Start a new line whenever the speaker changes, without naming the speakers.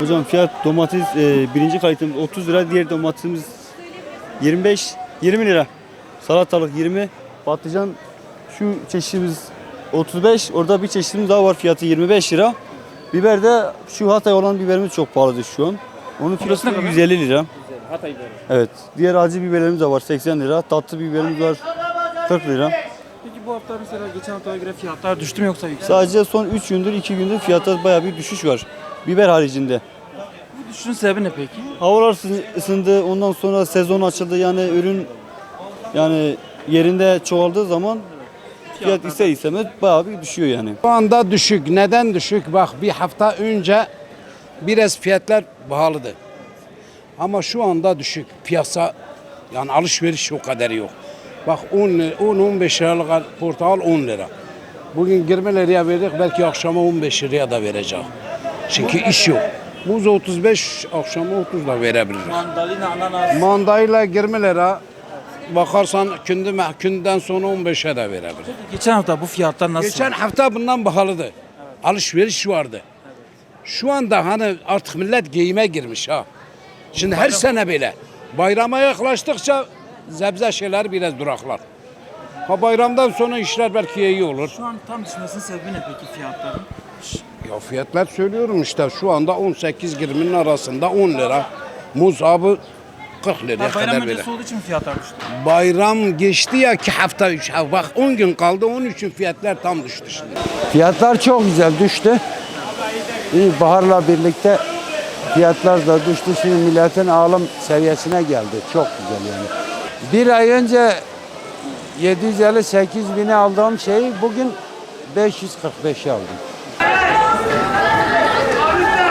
Hocam fiyat domates birinci kalitemiz 30 lira, diğer domatesimiz 20 lira. Salatalık 20, patlıcan şu çeşitimiz 35, orada bir çeşitimiz daha var, fiyatı 25 lira. Biber de şu Hatay olan biberimiz çok pahalıdır şu an. Onun kilosu
ne kadar?
150 lira.
Hatay biberi.
Evet. Diğer acı biberlerimiz de var 80 lira. Tatlı biberimiz var 40 lira.
Peki bu hafta mesela geçen haftaya göre fiyatlar düştü mü yoksa yükseldi?
Sadece son 3 gündür 2 gündür fiyatta bayağı bir düşüş var. Biber haricinde.
Bu düşüşün sebebi ne peki?
Havalar ısındı. Ondan sonra sezon açıldı. Yani ürün yani yerinde çoğaldığı zaman fiyat ister istemez bayağı bir düşüyor yani.
Şu anda düşük. Neden düşük? Bak bir hafta önce biraz fiyatlar pahalıdı. Ama şu anda düşük. Piyasa yani alışveriş o kadar yok. Bak 10-15 liralık portakal 10 lira. Bugün 20 liraya verdik, belki akşama 15 liraya da verecek. Çünkü iş yok. Muz 35, akşama 30 da verebilir.
Mandalina, ananas.
Mandayla 20 lira. Bakarsan künden sonra 15'e de verebilir.
Geçen hafta bu fiyatlar nasıl?
Geçen hafta bundan pahalıdı. Alışveriş vardı. Şu anda hani artık millet giyime girmiş ha. Şimdi her sene böyle. Bayrama yaklaştıkça zebze şeyler biraz duraklar. Ha bayramdan sonra işler belki iyi olur.
Şu an tam düşmesinin sebebi ne peki fiyatların?
Ya fiyatlar söylüyorum işte şu anda 18-20'nin arasında 10 lira. Muz abi 40 liraya
Bayram
kadar böyle.
öncesi olduğu için mi fiyatlar düştü?
Bayram geçti ya 2 hafta 3 hafta. Bak 10 gün kaldı onun için fiyatlar tam düştü şimdi.
Fiyatlar çok güzel düştü. İyi, baharla birlikte fiyatlar da düştü. Şimdi milletin alım seviyesine geldi. Çok güzel yani. Bir ay önce 758 bini aldığım şeyi bugün 545'e aldım.